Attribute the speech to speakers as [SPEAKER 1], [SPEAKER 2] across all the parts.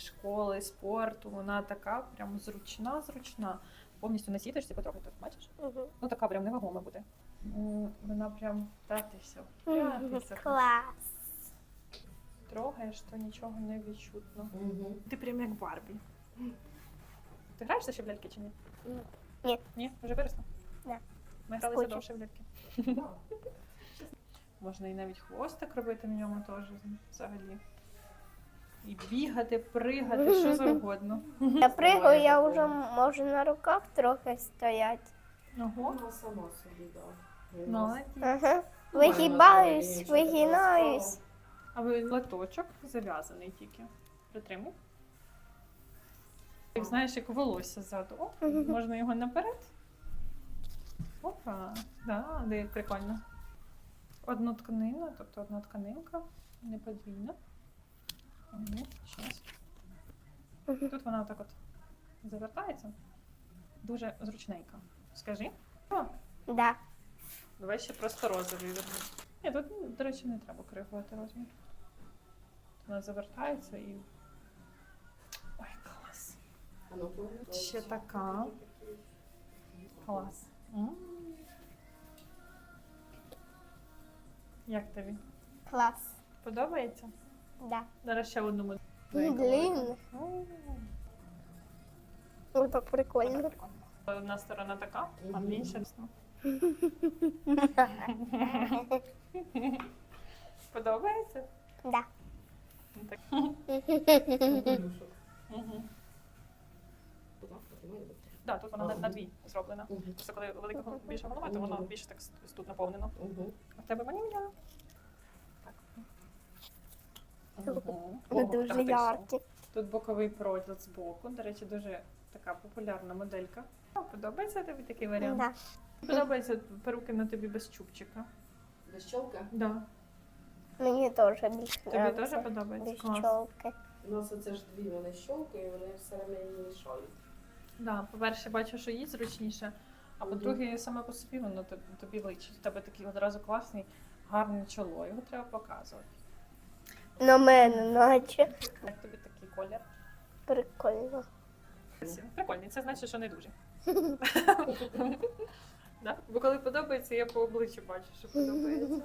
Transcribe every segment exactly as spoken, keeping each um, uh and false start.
[SPEAKER 1] школи, спорту. Вона така прям зручна-зручна. Повністю на сіточці, потрохи тут, бачиш?
[SPEAKER 2] Угу.
[SPEAKER 1] Ну така прям невагома буде. М, Вона прям втратися, втратися.
[SPEAKER 2] Клас.
[SPEAKER 1] Трогаєш, то нічого не відчутно.
[SPEAKER 3] Угу.
[SPEAKER 1] Ти прям як Барбі. Ти граєшся ще в ляльки чи ні?
[SPEAKER 2] Ні.
[SPEAKER 1] Ні? Вже виросла?
[SPEAKER 2] Да.
[SPEAKER 1] Ми гралися
[SPEAKER 2] Скучу.
[SPEAKER 1] довше в ляльки. Можна і навіть хвостик робити в ньому теж взагалі. І бігати, пригати, що завгодно.
[SPEAKER 2] Я пригаю, я вже можу на руках трохи стояти.
[SPEAKER 1] Ого.
[SPEAKER 3] Вона сама собі, так.
[SPEAKER 1] Молодець.
[SPEAKER 2] Ага. Вигибаюсь, вигинаюсь.
[SPEAKER 1] А ви латочок зав'язаний тільки. Притримуй. Як знаєш, як волосся ззаду. О, можна його наперед. Опа, да, де прикольно. Одну тканину, тобто одна тканинка, не подвійна. Угу, щас. Тут вона отак от завертається. Дуже зручненька. Скажи. О,
[SPEAKER 2] Да.
[SPEAKER 1] давай ще просто розовий верну. Ні, тут, до речі, не треба коригувати розмір. Вона завертається і... Ой, клас.
[SPEAKER 3] А ну, повернись.
[SPEAKER 1] Ще така. Клас. М. Як тобі?
[SPEAKER 2] Клас.
[SPEAKER 1] Подобається?
[SPEAKER 2] Да.
[SPEAKER 1] Зараз ще одну модель.
[SPEAKER 2] Блін.
[SPEAKER 1] О,
[SPEAKER 2] Ой, так прикольно.
[SPEAKER 1] одна сторона така, а
[SPEAKER 3] Мгм.
[SPEAKER 1] інша. Подобається?
[SPEAKER 2] Да.
[SPEAKER 1] Ну, так.
[SPEAKER 3] Капелюшок.
[SPEAKER 1] Угу.
[SPEAKER 3] Так, потримай.
[SPEAKER 1] Да, тут вона на, на дві зроблена.
[SPEAKER 3] Мгм.
[SPEAKER 1] Просто коли велика гол- більша голова, то воно
[SPEAKER 3] Мгм.
[SPEAKER 1] більше так с- тут наповнено.
[SPEAKER 3] Угу.
[SPEAKER 1] А в тебе ванілля. Так. Угу.
[SPEAKER 2] Вони дуже яркі.
[SPEAKER 1] Тут боковий проділ з боку. До речі, дуже така популярна моделька. А, подобається тобі такий варіант?
[SPEAKER 2] Да.
[SPEAKER 1] Подобається перуки на тобі без чубчика.
[SPEAKER 3] Без щолка?
[SPEAKER 1] Да.
[SPEAKER 2] Мені теж більше
[SPEAKER 1] Тобі
[SPEAKER 2] подобається.
[SPEAKER 1] теж подобається?
[SPEAKER 2] Без
[SPEAKER 1] Клас.
[SPEAKER 2] чолки.
[SPEAKER 3] У нас оце ж дві вони щолки, і вони все время мішають.
[SPEAKER 1] Да, по-перше, бачу, що їй зручніше, а
[SPEAKER 3] Мгм.
[SPEAKER 1] по-друге, саме по собі воно тобі, тобі личить. У тебе такий одразу класний, гарне чоло. Його треба показувати.
[SPEAKER 2] На мене наче.
[SPEAKER 1] Як тобі такий колір?
[SPEAKER 2] Прикольно.
[SPEAKER 1] Прикольний, це значить, що не дуже. Да? Бо коли подобається, я по обличчю бачу, що подобається.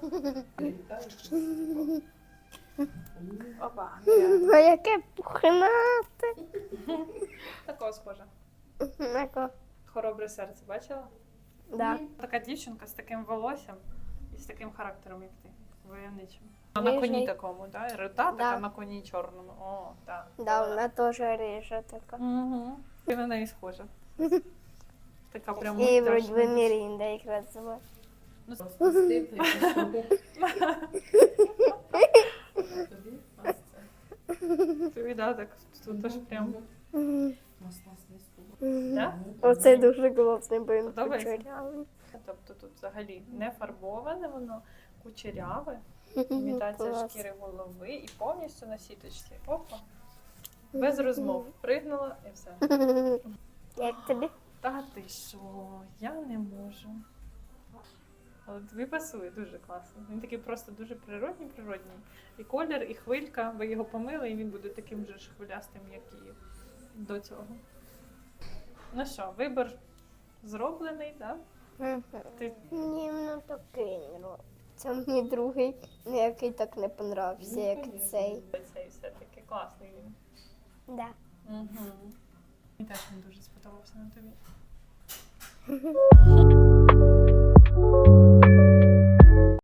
[SPEAKER 1] Опа.
[SPEAKER 2] А яке пухнате.
[SPEAKER 1] Такого схоже.
[SPEAKER 2] Нако.
[SPEAKER 1] Хоробре серце, бачила?
[SPEAKER 2] Да.
[SPEAKER 1] Така дівчинка з таким волоссям і з таким характером, як ти. Войовничим. На коні
[SPEAKER 2] Рижий.
[SPEAKER 1] такому, да? Рота
[SPEAKER 2] Да.
[SPEAKER 1] така на коні чорному. О, так.
[SPEAKER 2] Да, вона теж рижа така.
[SPEAKER 1] Угу. Ти на неї схожа. Така прям
[SPEAKER 2] І вроді
[SPEAKER 1] мультяшна.
[SPEAKER 2] би Мірінда якраз звати.
[SPEAKER 1] Ну,
[SPEAKER 3] Просто стип, і пішов. Тобі? Ось це.
[SPEAKER 1] тобі, да, так, тут теж прям.
[SPEAKER 3] Ось нас не скубо.
[SPEAKER 1] Да?
[SPEAKER 2] Оце дуже класний, бо він
[SPEAKER 1] Подобається?
[SPEAKER 2] кучерявий.
[SPEAKER 1] Тобто тут взагалі не фарбоване воно, кучеряве, імітація
[SPEAKER 2] Клас.
[SPEAKER 1] шкіри голови і повністю на сіточці. Опа. Без розмов. Пригнула і все.
[SPEAKER 2] Як тобі?
[SPEAKER 1] Та ти що, я не можу. Але тобі пасує дуже класно. Він такий просто дуже природній, природній. І колір, і хвилька, ви його помили, і він буде таким же ж хвилястим, як і до цього. Ну що, вибір зроблений, так? Да? Ти
[SPEAKER 2] Ні, ну такий. ну, Це мені другий, ну, який так не понравився, як цей.
[SPEAKER 1] цей все-таки класний він.
[SPEAKER 2] Да.
[SPEAKER 1] Угу. Мені теж він дуже сподобався на тобі.